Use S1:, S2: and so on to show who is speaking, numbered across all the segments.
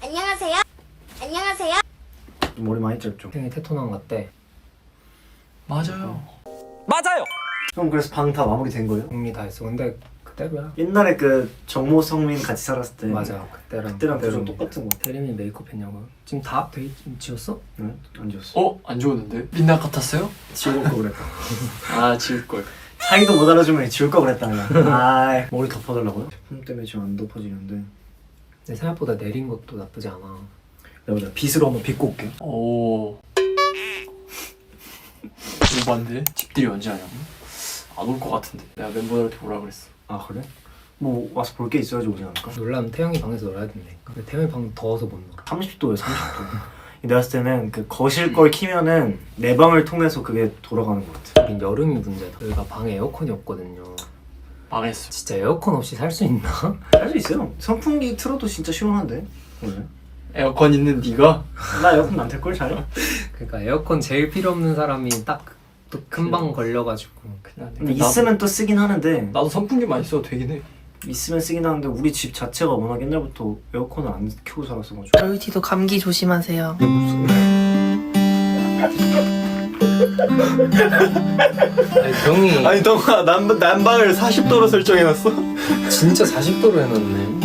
S1: 안녕하세요. 안녕하세요.
S2: 머리 많이 짧죠?
S3: 생일 테토남 같대.
S4: 맞아요.
S2: 형 그래서 방 다 마무리 된 거예요?
S3: 정리 다 했어. 근데 그때로야.
S2: 옛날에 그 정모 성민 같이 살았을 때
S3: 맞아.
S2: 그때랑 표정 똑같은 거 같아.
S3: 대리님 메이크업 했냐고요? 지금 다 지웠어?
S2: 응? 안 지웠어.
S4: 안 좋았는데? 민낯 같았어요?
S2: 지울 거 그랬다.
S4: 지울걸.
S2: 상의도 못 알아주면 지울 거 그랬다 그냥. 아 머리 덮어달라고요? 제품 때문에 지금 안 덮어지는데
S3: 근데 생각보다 내린 것도 나쁘지 않아.
S2: 내가 빗으로 한번 빗고 올게요.
S4: 오. 오반데? 집들이 언제 하냐고? 안 올 것 같은데. 내가 멤버들한테 뭐라 그랬어.
S2: 아 그래? 뭐 와서 볼 게 있어야지 오지 않을까?
S3: 놀라면 태영이 방에서 놀아야 된다니까. 근데 태영이 방 더워서 못 놀아.
S2: 30도예요 30도. 내가 봤을 때는 그 거실 걸 키면은 내 방을 통해서 그게 돌아가는 것 같아.
S3: 우린 여름이 문제다. 저희가 방에 에어컨이 없거든요.
S4: 망했어.
S3: 진짜 에어컨 없이 살 수 있나?
S2: 할 수 있어요. 선풍기 틀어도 진짜 시원한데 원래.
S4: 에어컨 있는 네가?
S2: 나 에어컨 안 틀걸 잘.
S3: 그러니까 에어컨 제일 필요 없는 사람이 딱 또 금방 걸려가지고.
S4: 그냥
S2: 근데 있으면 또 쓰긴 하는데
S4: 나도 선풍기만 있어도 되긴 해.
S2: 있으면 쓰긴 하는데 우리 집 자체가 워낙 옛날부터 에어컨을 안 켜고 살았어가지고.
S5: 로이티도 감기 조심하세요.
S3: 아니 병이
S4: 아니 너가 난방을 40도로 설정해놨어?
S3: 진짜 40도로 해놨네.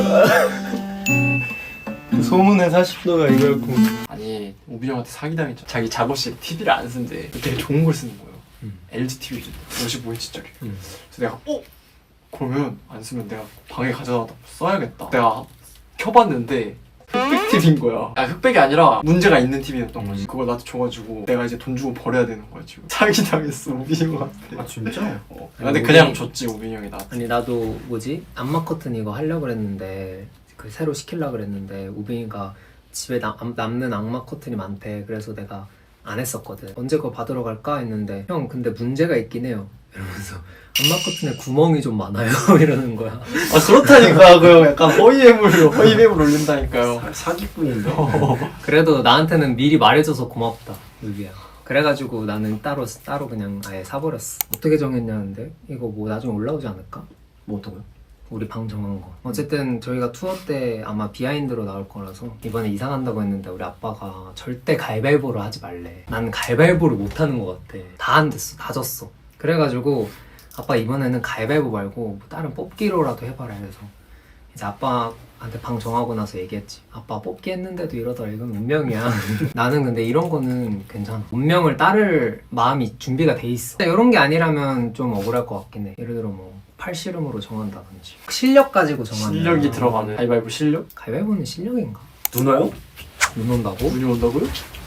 S4: 소문에 40도가 이거였고. 아니 우빈 형한테 사기당했잖아. 자기 작업실 TV를 안 쓴대. 되게 좋은 걸 쓰는 거예요. LG TV 준대. 55인치짜리. 그래서 내가 그러면 안 쓰면 내가 방에 가져다 써야겠다. 내가 켜봤는데 흑백 TV인 거야. 흑백이 아니라 문제가 있는 TV였던 거지. 그걸 나한테 줘가지고 내가 이제 돈 주고 버려야 되는 거야 지금. 사기당했어 우빈이 형한테.
S2: 아 진짜?
S4: 근데
S3: 아니,
S4: 그냥
S3: 우빈이-
S4: 줬지 우빈이 형이 나한테.
S3: 아니 나도 뭐지? 안마 커튼 이거 하려고 그랬는데 그 새로 시키려고 그랬는데 우빈이가 집에 남는 악마 커튼이 많대. 그래서 내가 안 했었거든. 언제 그거 받으러 갈까 했는데 형 근데 문제가 있긴 해요 이러면서 안마 커튼에 구멍이 좀 많아요 이러는 거야.
S4: 그렇다니까. 그 약간 허위매물 올린다니까요.
S2: 사기꾼인데.
S3: 그래도 나한테는 미리 말해줘서 고맙다 루비야. 그래가지고 나는 따로 그냥 아예 사버렸어. 어떻게 정했냐는데 이거 뭐 나중에 올라오지 않을까?
S2: 뭐 어떤 거요?
S3: 우리 방 정한 거. 어쨌든 저희가 투어 때 아마 비하인드로 나올 거라서 이번에 이사 간다고 했는데 우리 아빠가 절대 가위바위보로 하지 말래. 난 가위바위보를 못 하는 것 같아. 다 안 됐어. 다 졌어. 그래가지고 아빠 이번에는 가위바위보 말고 뭐 다른 뽑기로라도 해봐라 해서 이제 아빠한테 방 정하고 나서 얘기했지. 아빠 뽑기 했는데도 이러더라. 이건 운명이야. 나는 근데 이런 거는 괜찮아. 운명을 따를 마음이 준비가 돼 있어. 이런 게 아니라면 좀 억울할 것 같긴 해. 예를 들어 뭐 팔씨름으로 정한다든지 실력 가지고 정하면
S4: 실력이 들어가는 가위바위보 실력?
S3: 가위바위보는 실력인가?
S2: 누나요?
S3: 눈 온다고?
S4: 운이 온다고요?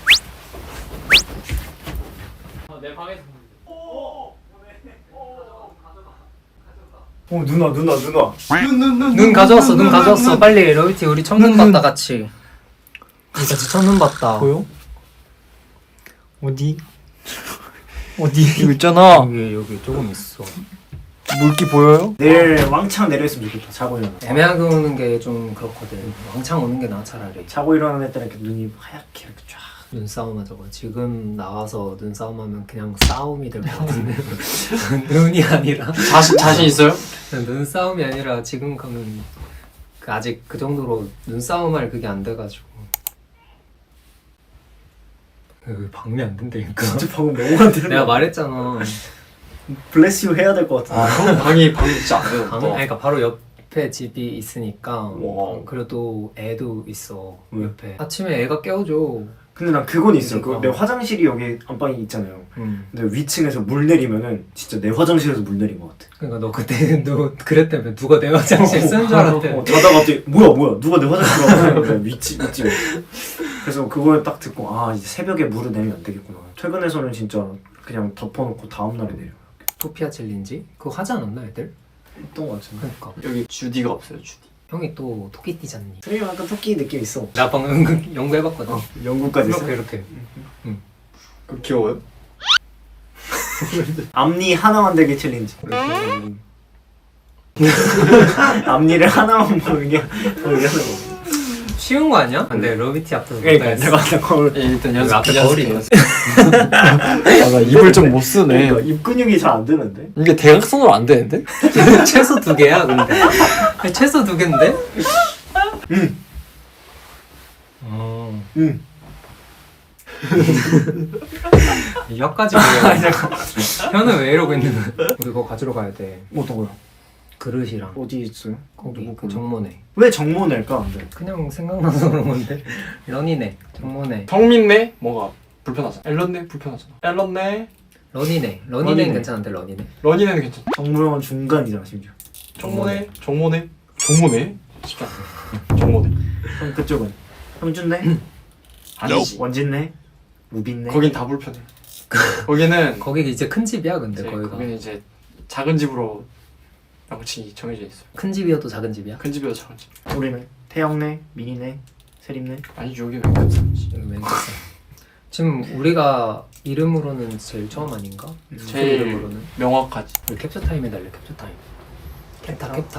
S3: 내 방에서
S2: 누나.
S3: 눈 가져왔어. 눈 가져왔어. 빨리 로이티 우리 첫눈 봤다 같이. 우리 같이 첫눈 봤다.
S4: 보여? 어디? 어디? 이거 있잖아.
S3: 여기 조금 있어.
S4: 물기 보여요?
S2: 내일 왕창 내려있으면 좋겠다. 자고 일어나.
S3: 애매하게 오는 게 좀 그렇거든. 왕창 오는 게 나아 차라리.
S2: 자고 일어나는 애들 이렇게 눈이 하얗게 이렇게 쫙.
S3: 눈싸움 하자고. 지금 나와서 눈싸움하면 그냥 싸움이 될 것 같은데. 눈이 아니라
S4: 자신 있어요?
S3: 눈싸움이 아니라 지금 가면 그 아직 그 정도로 눈싸움할 그게 안 돼가지고. 왜 방미 안 된다니까.
S2: 진짜 방금 너무 안 되는
S3: 내가
S2: 거
S3: 말했잖아.
S2: 블레스 유 해야 될 것 같아.
S4: 형 방이 진짜 안 돼요.
S3: 아니, 그러니까 바로 옆에 집이 있으니까.
S4: 와.
S3: 그래도 애도 있어
S2: 왜?
S3: 옆에. 아침에 애가 깨워줘.
S2: 근데 난 그건 있어.
S3: 그러니까.
S2: 내 화장실이 여기 안방이 있잖아요.
S3: 응.
S2: 근데 위층에서 물 내리면은 진짜 내 화장실에서 물 내린 것 같아.
S3: 그러니까 너 그때 너 그랬다며. 누가 내 화장실 쓰는 줄 알았대.
S2: 자다가 갑자기 뭐야 누가 내 화장실 가고 그래 위치 그래서 그걸 딱 듣고 아 이제 새벽에 물을 내리면 안 되겠구나. 퇴근해서는 진짜 그냥 덮어놓고 다음날에 내려.
S3: 토피아 챌린지? 그거 하지 않았나 애들?
S2: 했던 것 같은데.
S3: 그러니까
S4: 여기 주디가 없어요 주디.
S3: 형이 또 토끼띠잖니.
S2: 트레이 약간 토끼 느낌 있어.
S3: 나 방금 연구해봤거든.
S2: 영국까지 있어.
S3: 이렇게
S4: 그 귀여워요?
S2: 앞니 하나 만들기 챌린지. 앞니를 하나만 보이게 하는 거.
S3: 쉬운 거 아니야? 근데 러비티 앞에서
S2: 그러니까
S3: 못하겠어.
S2: 내가 아까 거울
S4: 예, 일단
S3: 여기
S4: 연습.
S3: 앞에 거울이 있어.
S4: 나 입을 좀 못 쓰네.
S2: 그러니까 입 근육이 잘 안 되는데.
S4: 이게 대각선으로 안 되는데?
S3: 최소 2개야 근데. 아니, 최소 2개인데?
S2: 응.
S3: 혀까지 보여. 혀는 왜 이러고 있는 거야? 우리 그거 가지러 가야 돼.
S2: 어떤 거요?
S3: 그릇이랑
S2: 어디 있어요?
S3: 거기
S2: 누구
S3: 그
S2: 걸로?
S3: 정모네.
S2: 왜 정모낼까 근데?
S3: 그냥 생각나서 그런 건데. 런이네. 정모네.
S4: 성민네 뭐가 불편하잖아. 앨런네 불편하잖아. 앨런네
S3: 런이네.
S2: 런이네.
S3: 런이네는 괜찮은데 런이네.
S4: 러니네는 괜찮아.
S2: 정모형은 중간이잖아 심지어.
S4: 정모네 정모네 정모네 쉽지 않아. 정모네
S2: 그럼 그쪽은? 형준네?
S4: 아니지.
S2: 원진네? 우빈네?
S4: 거긴 다 불편해. 거기는
S3: 거기 이제 큰 집이야 근데
S4: 이제
S3: 거기가.
S4: 거기는 이제 작은 집으로 명칭이 정해져 있어요.
S3: 큰 집이어도 작은 집이야?
S4: 큰 집이어도 작은 집.
S2: 우리는 태영네? 민희네? 세림네?
S4: 아니 여기 왜 큰 사람이지?
S3: 여기 맨 끝에. 지금 우리가 이름으로는 제일 처음 아닌가?
S4: 제일
S3: 이름으로는
S4: 명확하지.
S3: 우리 캡처 타임 해달래. 캡처 타임. 캡타.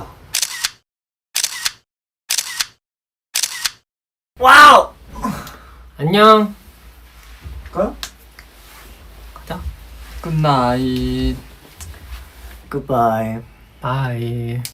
S2: 와우!
S3: 안녕.
S2: 가요?
S3: 가자.
S4: 굿나잇.
S2: 굿바이.
S3: 바이.